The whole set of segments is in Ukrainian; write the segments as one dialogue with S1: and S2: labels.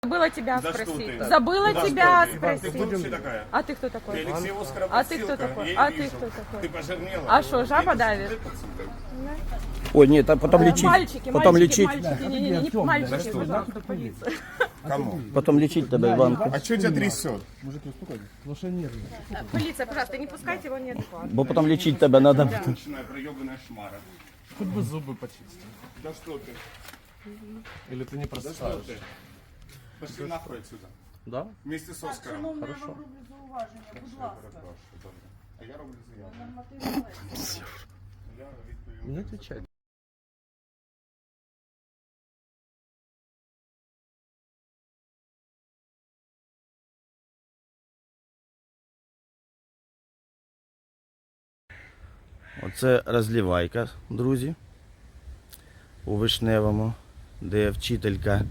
S1: Забыла тебя
S2: Да что
S1: спросить.
S2: ты?
S1: Забыла
S2: Да
S1: тебя
S2: что ты?
S1: спросить.
S2: Ты кто вообще такая?
S1: А ты кто
S2: Ты
S1: такой?
S2: Алексей Оскаров
S1: А ты кто
S2: подстилка,
S1: такой?
S2: я
S1: А
S2: её
S1: ты
S2: вижу.
S1: кто такой?
S2: Ты пожирнела?
S1: А что, жаба давит?
S3: Ой, нет, а потом лечить.
S1: Мальчики,
S3: Потом
S1: мальчики,
S3: лечить.
S1: мальчики, не мальчики,
S2: что?
S1: пожалуйста, полиция.
S2: Кому?
S3: Потом лечить тебя, Иванку.
S2: А что тебя трясет?
S1: Полиция, пожалуйста, не пускайте его неадекватно.
S3: Бо потом лечить тебя надо.
S2: Начиная проебанная шмара.
S4: Хоть бы зубы почистить.
S2: Да что ты?
S4: Или ты не
S2: Да что
S4: просыпаешь?
S2: ты? Пошли нахуй отсюда.
S4: Да?
S2: Вместе с Оскаром.
S4: Хорошо.
S2: А я роблю заяву. Я відповім.
S4: Не отвечай.
S3: Оце розливайка, друзі, у Вишневому, де вчителька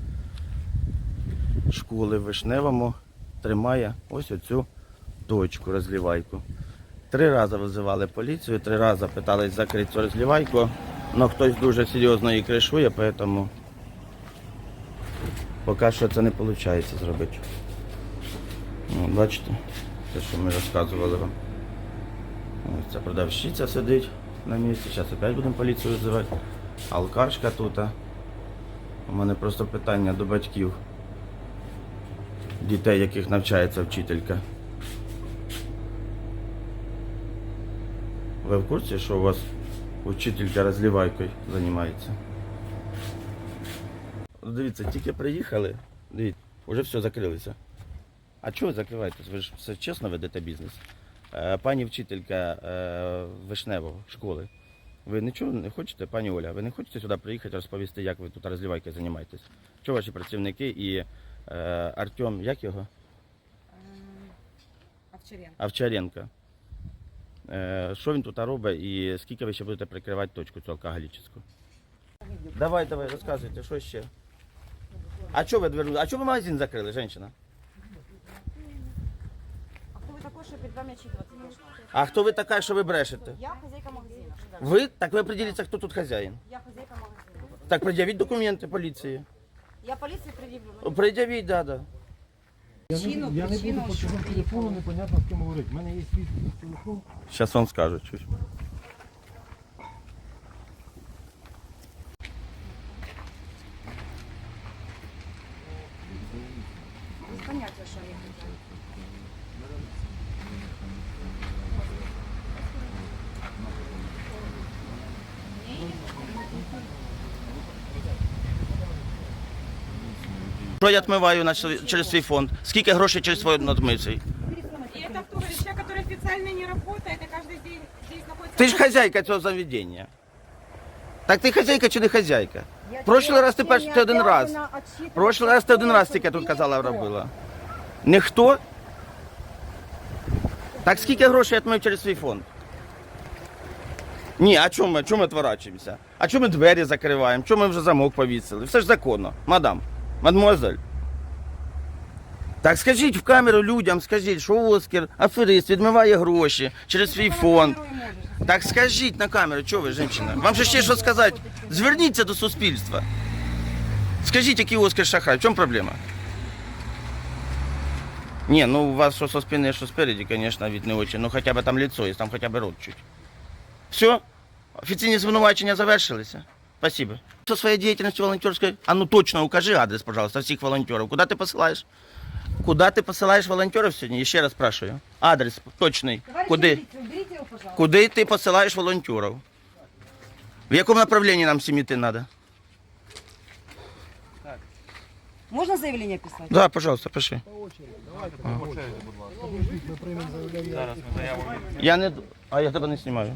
S3: школи в Вишневому тримає ось оцю точку розливайку. 3 рази визивали поліцію, 3 рази питались закрити цю розливайку, але хтось дуже серйозно її кришує, тому поки що це не виходить зробити. Ну, бачите, те, що ми розказували вам. Ось ця продавщиця сидить на місці, зараз опять будемо поліцію визивати. Алкашка тут. У мене просто питання до батьків, дітей, яких навчається вчителька. Ви в курсі, що у вас вчителька розливайкою займається? Дивіться, тільки приїхали, дивіться, вже все закрилося. А чого ви закриваєтесь? Ви ж все чесно ведете бізнес. Пані вчителька Вишневого школи, ви нічого не хочете, пані Оля, ви не хочете сюди приїхати розповісти, як ви тут розливайкою займаєтесь? Чого ваші працівники і Артем, як його? Овчаренко. Що він тут робить і скільки ви ще будете прикривати точку цю алкоголічну? Давай, розказуйте, що ще? А чого ви дверну? А чого ви магазин закрили, жінка?
S5: А хто ви такой, що перед вами отчитываться должна?
S3: А хто ви така, що ви брешете?
S5: Я хозяйка магазина. Що дальше?
S3: Ви? Так ви определіться, хто тут хазяїн.
S5: Я хозяйка магазина.
S3: Так пред'явіть документи поліції.
S5: Я поліції пред'явлю.
S3: Пред'явіть, да.
S5: Причину,
S4: Я не
S5: причину,
S4: буду по
S5: що
S4: цьому телефону,
S5: приїхали.
S4: непонятно з ким говорити. У мене є свій телефон.
S3: Зараз вам скажу. Чуть.
S5: Без поняття, що я хотіла.
S3: Що я відмиваю через свій фонд? Скільки грошей через свій надмицей?
S1: И это кто? Человек, который официально не работает, и каждый день здесь находится...
S3: Ти ж хазяйка цього заведення. Так ти хазяйка чи не хазяйка? Прошлий раз ти перший ти один раз. Прошлий раз ти один раз тільки тут казала робила. Ніхто? Так скільки грошей я відмив через свій фонд? Ні, а чому ми відворачуємося? А чому ми двері закриваємо? Чому ми вже замок повісили? Все ж законно, мадам, мадмуазель. Так скажіть в камеру людям, скажіть, що Оскар, аферист, відмиває гроші через свій фонд. Так скажіть на камеру, чого ви, жінка? Вам же ще що сказати? Зверніться до суспільства. Скажіть, який Оскар шахрай, в чому проблема? Ні, ну у вас що со спини, що спереді, звісно, від не очі, ну хоча б там лицо є, там хоча б рот чуть. Все? Офіційні звинувачення завершилися? Спасибо. Со своей деятельностью волонтерской, а ну точно укажи адрес, пожалуйста, всех волонтеров. Куда ты посылаешь? Куда ты посылаешь волонтеров сегодня? Еще раз спрашиваю. Адрес точный. Куди?
S5: Уберите його, пожалуйста.
S3: Куди ты посылаешь волонтеров? В якому направлении нам всем идти надо?
S5: Можна заявлення писати?
S3: Да, пожалуйста, пиши. Я не... А я тебе не знімаю.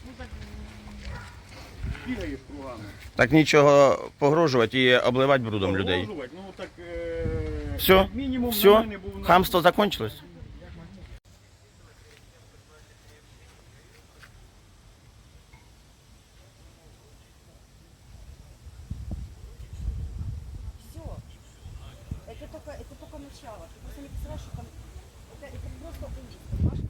S3: Так нічого погрожувати і обливати брудом людей.
S2: Ну так,
S3: Все?
S2: мінімум
S3: Все?
S2: нормальний був.
S3: Хамство закончилось?
S5: Все. Это только начало. Ты просто не представляешь, что там... Это просто ужас, понимаешь?